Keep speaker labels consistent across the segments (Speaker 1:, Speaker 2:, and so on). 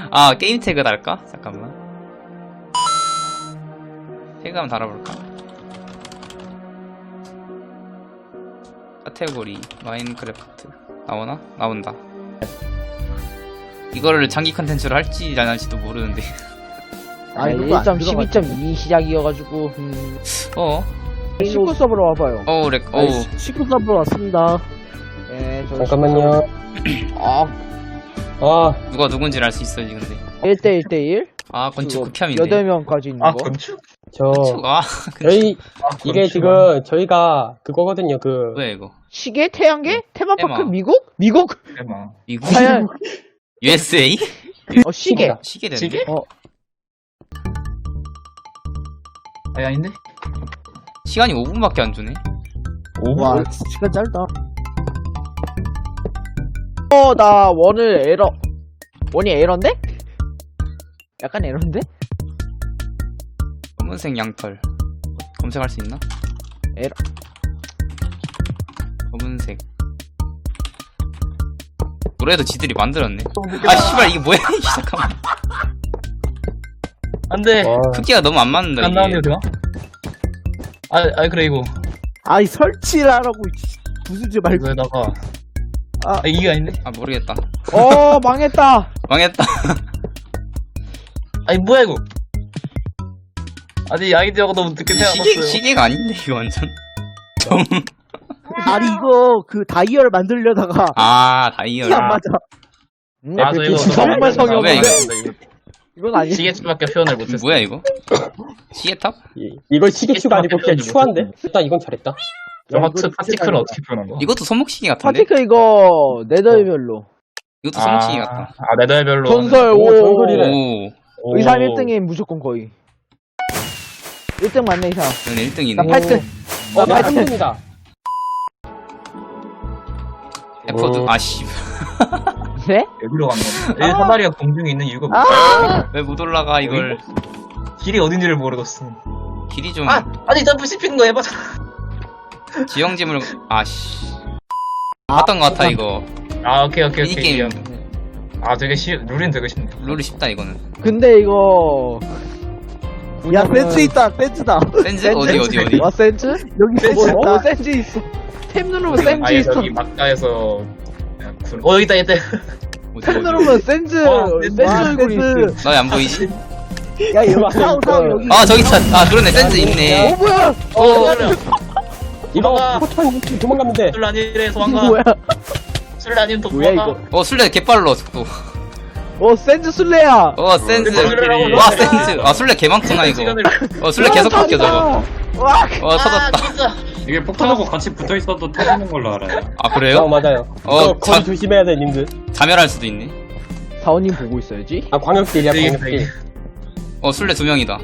Speaker 1: 아 게임 태그 달까? 잠깐만. 태그 한번 달아볼까? 카테고리 마인크래프트 나오나? 나온다. 이거를 장기 컨텐츠로 할지 안 할지도 모르는데.
Speaker 2: 아, 1.12.2 시작이어가지고 19 서버로 와봐요.
Speaker 1: 렉.
Speaker 2: 19 서버로 왔습니다. 네,
Speaker 3: 잠깐만요.
Speaker 1: 누가 누군지를 알 수 있어야지 근데.
Speaker 2: 1대1대1?
Speaker 1: 아 건축 극혐인데.
Speaker 2: 8명까지 있는 거.
Speaker 4: 건축?
Speaker 3: 저희, 이게 지금, 저희가 그거거든요,
Speaker 1: 뭐야 이거?
Speaker 2: 시계? 태양계? 테마파크?
Speaker 1: 테마.
Speaker 2: 미국? 미국?
Speaker 4: 대박.
Speaker 1: 미국?
Speaker 2: 과연
Speaker 1: USA?
Speaker 2: 시계.
Speaker 1: 시계 되네.
Speaker 4: 시계? 아닌데?
Speaker 1: 시간이 5분밖에 안 주네.
Speaker 4: 5분?
Speaker 2: 와, 시간 짧다. 나 원을 에러. 원이 에러인데? 약간 에러인데?
Speaker 1: 검은색 양털 검색할 수 있나?
Speaker 2: 에러.
Speaker 1: 검은색 노래도 지들이 만들었네. 아 씨발 이게 뭐야 이게. 잠깐만.
Speaker 4: 안돼.
Speaker 1: 크기가 너무 안 맞는다
Speaker 4: 안
Speaker 1: 이게.
Speaker 4: 나오네요, 제가? 그래, 이거.
Speaker 2: 아이, 설치를 하라고, 부수지 말고.
Speaker 4: 이거에다가.
Speaker 2: 아.
Speaker 4: 이게 아닌데?
Speaker 1: 아 모르겠다.
Speaker 2: 망했다.
Speaker 1: 망했다.
Speaker 4: 뭐야, 이거? 아이디어가 너무 늦게 생각났어요.
Speaker 1: 시계가 아닌데 이거 완전. 좀.
Speaker 2: 아니, 이거, 다이얼 만들려다가.
Speaker 1: 다이얼.
Speaker 2: 안 맞아.
Speaker 4: 저 이거
Speaker 2: 정말 성의
Speaker 1: 왜
Speaker 2: 없네.
Speaker 1: 이거?
Speaker 2: 이건 아니야.
Speaker 4: 시계추밖에 표현을 못했어.
Speaker 1: 뭐야 이거? 시계탑?
Speaker 3: 이거 시계추가 아니고 그냥 추한데? 일단 이건 잘했다.
Speaker 4: 하트 파티클을 어떻게 표현한 거야?
Speaker 1: 이것도 손목시계 같은데?
Speaker 2: 파티클 이거, 네더별로.
Speaker 1: 이것도 손목시계 같다.
Speaker 4: 네더별로.
Speaker 2: 전설,
Speaker 3: 전설이래.
Speaker 1: 오.
Speaker 2: 의사 1등이 무조건 거의. 1등 맞네, 의사.
Speaker 1: 얘는 1등이네.
Speaker 2: 나 8등.
Speaker 3: 나
Speaker 2: 8등.
Speaker 3: 3등이다.
Speaker 1: 에퍼드. 아씨.
Speaker 2: 네?
Speaker 4: 여기로 간 거야. 사다리가 공중에 있는 이유가 뭐야?
Speaker 1: 왜 못 올라가 이걸?
Speaker 4: 길이 어딘지를 모르겠어.
Speaker 1: 길이 좀.
Speaker 4: 아니, 점프 씹히는 거 해봐서.
Speaker 1: 지형지물. 아씨. 봤던 것 같아 이거.
Speaker 4: 오케이.
Speaker 1: 미니게임.
Speaker 4: 되게 룰은 되게 쉽네.
Speaker 1: 룰이 쉽다 이거는.
Speaker 2: 근데 이거. 야, 센스 있다, 센스다.
Speaker 1: 센즈? 어디?
Speaker 2: 와, 센스? 여기 센스 있다. 센스 있어. 탭 누르면 센스 있어.
Speaker 4: 여기 막가에서. 여기 있다.
Speaker 2: 탭 누르면 센스. 센스 얼굴이 있어.
Speaker 1: 너왜 안 보이지?
Speaker 2: 야, 여기 사우 여기.
Speaker 1: 저기 있다. 그러네. 센즈 있네.
Speaker 2: 뭐야?
Speaker 3: 이거 포탄 도망가면 돼.
Speaker 4: 술 아니래, 소환가.
Speaker 2: 뭐야?
Speaker 4: 술 아니면 또
Speaker 2: 뭐야,
Speaker 4: 도망가.
Speaker 2: 이거?
Speaker 1: 술래 개빨로 속도.
Speaker 2: 센스 술래야.
Speaker 1: 센즈.
Speaker 4: 술래라고.
Speaker 1: 와 센즈. 술래 개 많구나 이거. 술래 계속 바뀌어 저거.
Speaker 2: 와,
Speaker 1: 터졌다.
Speaker 5: 이게 폭탄하고 같이 붙어 있어도 터지는 걸로 알아요.
Speaker 1: 그래요?
Speaker 3: 맞아요. 이거 거리 조심해야 돼, 님들.
Speaker 1: 자멸할 수도 있네.
Speaker 2: 사원님 보고 있어야지.
Speaker 3: 광역딜이야, 광역딜.
Speaker 1: 술래 2명이다.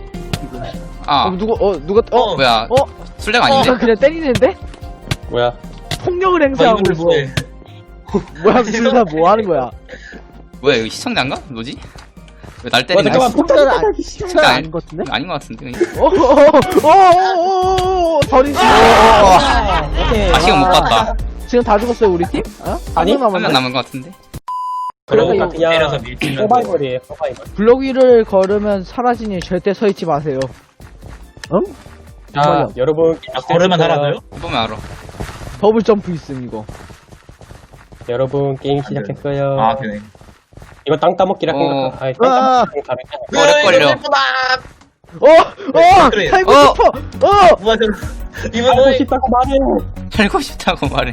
Speaker 2: 누가,
Speaker 1: 뭐야? 술래가 아닌데?
Speaker 2: 그냥 때리는데?
Speaker 3: 뭐야?
Speaker 2: 폭력을 행사하고 있어. 뭐야, 둘다 뭐 하는 거야?
Speaker 1: 뭐야 이거 시청자인가? 뭐지? 왜 날 때리는
Speaker 3: 잠깐만,
Speaker 1: 거야?
Speaker 3: 폭탄을
Speaker 2: 시청자 아닌 것 같은데?
Speaker 1: 아닌 것 같은데.
Speaker 2: 서린 씨.
Speaker 1: 시간 못 봤다.
Speaker 2: 지금 다 죽었어요, 우리 팀?
Speaker 3: 아니,
Speaker 2: 한 명
Speaker 1: 한 명
Speaker 2: 남았네.
Speaker 1: 남은 것 같은데.
Speaker 3: 그러니까
Speaker 4: 때려서
Speaker 3: 그냥
Speaker 4: 밀치면
Speaker 3: 서바이벌이에요, 서바이벌.
Speaker 2: 블록 위를 걸으면 사라지니 절대 서 있지 마세요.
Speaker 3: 자, 여러분.
Speaker 4: 걸으면 살아나요?
Speaker 1: 보면 알아.
Speaker 2: 더블 점프 있음, 이거.
Speaker 3: 여러분, 게임 시작했어요.
Speaker 4: 되네.
Speaker 3: 이거 땅 따먹기라 생각하. 땅 따먹기랑 다르잖아.
Speaker 1: 오래 걸려.
Speaker 4: 그래.
Speaker 2: 살고 싶어!
Speaker 4: 뭐야, 이분
Speaker 3: 살고 싶다고 말해.
Speaker 1: 살고 싶다고 말해.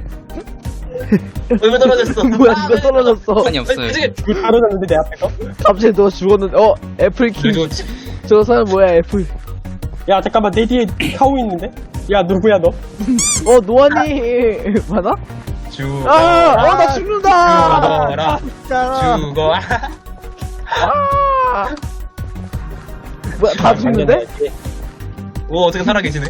Speaker 4: 왜 떨어졌어?
Speaker 2: 뭐야, 누가 떨어졌어?
Speaker 1: 아니 없어요.
Speaker 3: 그 떨어졌는데 내 앞에서?
Speaker 2: 갑자기 너 죽었는데, 애플키. 저 사람 뭐야, 애플.
Speaker 3: 야, 잠깐만, 내 뒤에 카우 있는데? 야, 누구야, 너?
Speaker 2: 노안이. 맞아?
Speaker 4: 죽어.
Speaker 2: 나 죽는다!
Speaker 4: 죽어.
Speaker 2: 뭐야, 다 죽는데?
Speaker 4: 오, 어떻게 살아계시네?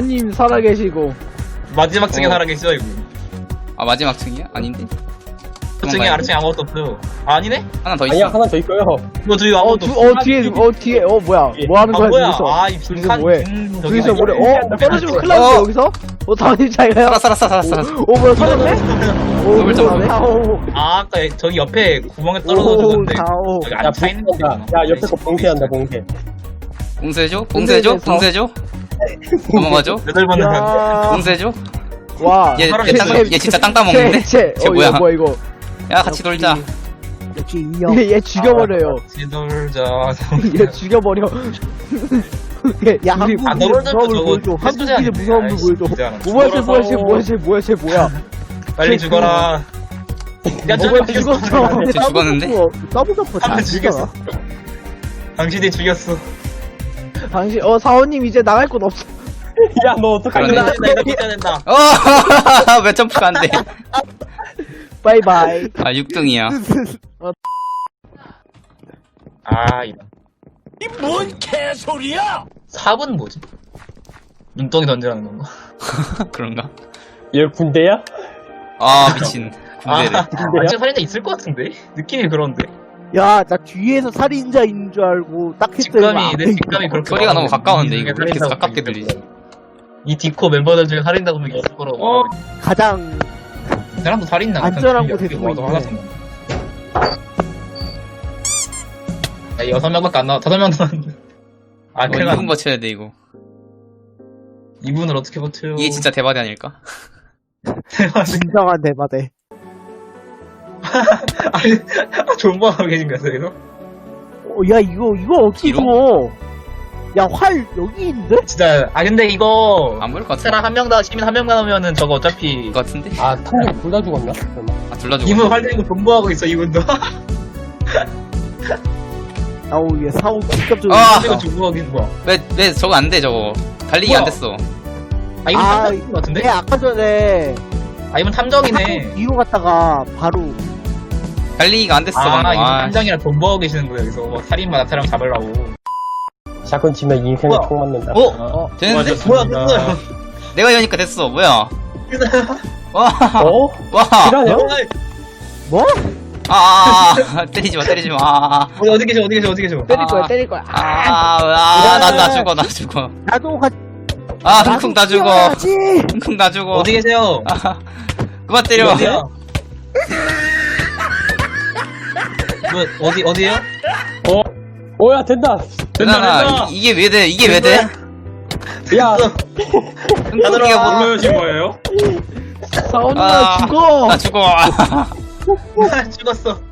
Speaker 2: 사원님 살아계시고.
Speaker 4: 마지막 층에 살아계시죠, 이거.
Speaker 1: 마지막 층이야? 아닌데?
Speaker 4: 아래층에 아래층에 아무것도 없어요. 아, 아니네?
Speaker 1: 하나 더
Speaker 3: 아니야
Speaker 1: 있어.
Speaker 3: 하나 더 있어요.
Speaker 4: 뭐 저기 아무것도 없어.
Speaker 2: 뒤에 뭐야 뭐 하는
Speaker 4: 아,
Speaker 2: 거야
Speaker 4: 뭐야?
Speaker 2: 둘이서
Speaker 4: 아, 이
Speaker 2: 둘이서
Speaker 4: 빈칸
Speaker 2: 뭐해
Speaker 4: 저기
Speaker 2: 둘이서
Speaker 4: 아니야?
Speaker 2: 뭐래 떨어지면 큰일 나는데
Speaker 1: 어.
Speaker 2: 여기서? 다원님 잘 가요
Speaker 1: 살았어.
Speaker 2: 뭐야 살았네?
Speaker 1: 더블 점프.
Speaker 4: 아, 아까 저기 옆에 구멍에 떨어져 죽었는데.
Speaker 2: 다오
Speaker 4: 여기
Speaker 3: 야
Speaker 4: 안 차있는
Speaker 3: 봉쇄한다.
Speaker 4: 거구나.
Speaker 3: 야 옆에 거 봉쇄한다 봉쇄.
Speaker 1: 봉쇄해줘. 넘어가죠.
Speaker 4: 여덟 번은 간.
Speaker 1: 봉쇄해줘.
Speaker 2: 와
Speaker 1: 얘
Speaker 4: 살아있어요.
Speaker 1: 진짜 땅 따먹는데? 쟤 뭐야?
Speaker 2: 뭐야 이거
Speaker 1: 야 같이 놀자.
Speaker 2: 역시 인형 얘 죽여버려요
Speaker 4: 지돌자.
Speaker 2: 얘 죽여버려 야 한국인의 무서움을 보여줘 한국인의 무서움을 보여줘 뭐야 쟤 뭐야
Speaker 4: 빨리 죽어라. 야,
Speaker 2: 뭐야
Speaker 4: 저기
Speaker 2: 죽었어
Speaker 1: 쟤 죽었는데?
Speaker 2: 더블점프 다
Speaker 4: 한명
Speaker 2: 죽였어
Speaker 4: 죽였어. 당신이 죽였어.
Speaker 2: 당신 사원님 이제 나갈 곳 없어
Speaker 3: 야 너 어떡하냐?
Speaker 1: 그러네.
Speaker 4: 이거 껴야 된다.
Speaker 1: 왜 점프가 안 돼?
Speaker 2: 바이바이
Speaker 1: 아 6등이야.
Speaker 4: 아, 이런. 이뭔 개소리야! 4분 뭐지? 눈덩이 던지라는 건가?
Speaker 1: 그런가?
Speaker 3: 얘 군대야?
Speaker 1: 아 미친. 군대래.
Speaker 4: 진짜 살인자 있을 것 같은데? 느낌이 그런데?
Speaker 2: 야 나 뒤에서 살인자인 줄 알고 딱 했더니
Speaker 4: 내 직감이 그렇게
Speaker 1: 소리가 너무
Speaker 4: 나와서
Speaker 1: 가까운데
Speaker 4: 이
Speaker 1: 이거
Speaker 4: 중에
Speaker 1: 왜 이렇게
Speaker 4: 살인자가
Speaker 1: 가깝게
Speaker 4: 있겠다.
Speaker 1: 들리지?
Speaker 4: 이 디코 멤버들 중에 살인자 분명히 있을 거라고.
Speaker 2: 가장
Speaker 4: 이 사람도 살인자.
Speaker 2: 안전한 곳에 숨어
Speaker 4: 와도
Speaker 2: 있네.
Speaker 4: 화가 나. 야, 6명밖에 안 나와. 5명 남았는데. 아, 큰일
Speaker 1: 2분
Speaker 4: 났네.
Speaker 1: 버텨야 돼 이거.
Speaker 4: 2분을 어떻게 버텨요?
Speaker 1: 이게 진짜 대박이 아닐까?
Speaker 2: 진정한 대바대
Speaker 4: 아니, 존버하고 계신 거야, 그래서?
Speaker 2: 야 이거 어떻게
Speaker 1: 뒤로?
Speaker 2: 줘? 야 활 여기 있는데?
Speaker 4: 진짜, 근데 이거.
Speaker 1: 안 보일 것 같아.
Speaker 4: 사람 한 명 다, 시민 한 명 남으면은 저거 어차피.
Speaker 1: 것 같은데?
Speaker 3: 아 탐정 둘 다 죽었나? 설마?
Speaker 1: 아 둘 다 죽어.
Speaker 4: 이분 활 들고 존버하고 있어, 이분도.
Speaker 2: 아우 얘 사고 직접적으로
Speaker 1: 아!
Speaker 4: 이거 존버하고 있는 거야.
Speaker 1: 왜 저거 안 돼 저거. 달리기 안
Speaker 4: 뭐야?
Speaker 1: 됐어.
Speaker 4: 아, 이분
Speaker 2: 아,
Speaker 4: 탐정인 것 같은데?
Speaker 2: 얘 아까 전에
Speaker 4: 아, 이분 탐정이네.
Speaker 2: 사고 뒤로 갔다가 바로
Speaker 1: 달리기가 안 됐어.
Speaker 4: 아,
Speaker 1: 방금.
Speaker 4: 이분
Speaker 1: 아,
Speaker 4: 탐정이랑 존버하고 계시는 거야, 여기서. 뭐, 살인마 나타나면 잡으려고.
Speaker 3: 샷건 치면 인생에
Speaker 4: 뭐야?
Speaker 3: 총 맞는다.
Speaker 1: 되는데?
Speaker 4: 뭐야, 됐어요.
Speaker 1: 내가 이러니까 됐어. 뭐야? 와,
Speaker 3: 어?
Speaker 1: 와.
Speaker 3: 실화냐?
Speaker 2: 뭐?
Speaker 1: 때리지 마. 아,
Speaker 4: 어디 계셔?
Speaker 2: 때릴 거야
Speaker 1: 나 죽어.
Speaker 2: 나도 같이
Speaker 1: 아, 흥쿵 다 죽어.
Speaker 2: 뛰어야지.
Speaker 1: 흥쿵 다 죽어.
Speaker 4: 어디 계세요?
Speaker 1: 아, 그만 때려.
Speaker 4: 어디야? 뭐, 어디에요?
Speaker 3: 오야 된다.
Speaker 1: 누나나, 이게 왜 돼?
Speaker 3: 야
Speaker 1: 흥쿵이가 뭐,
Speaker 5: 올라오신 거예요?
Speaker 2: 사원아
Speaker 1: 아,
Speaker 2: 죽어
Speaker 1: 나 죽어.
Speaker 4: 죽었어.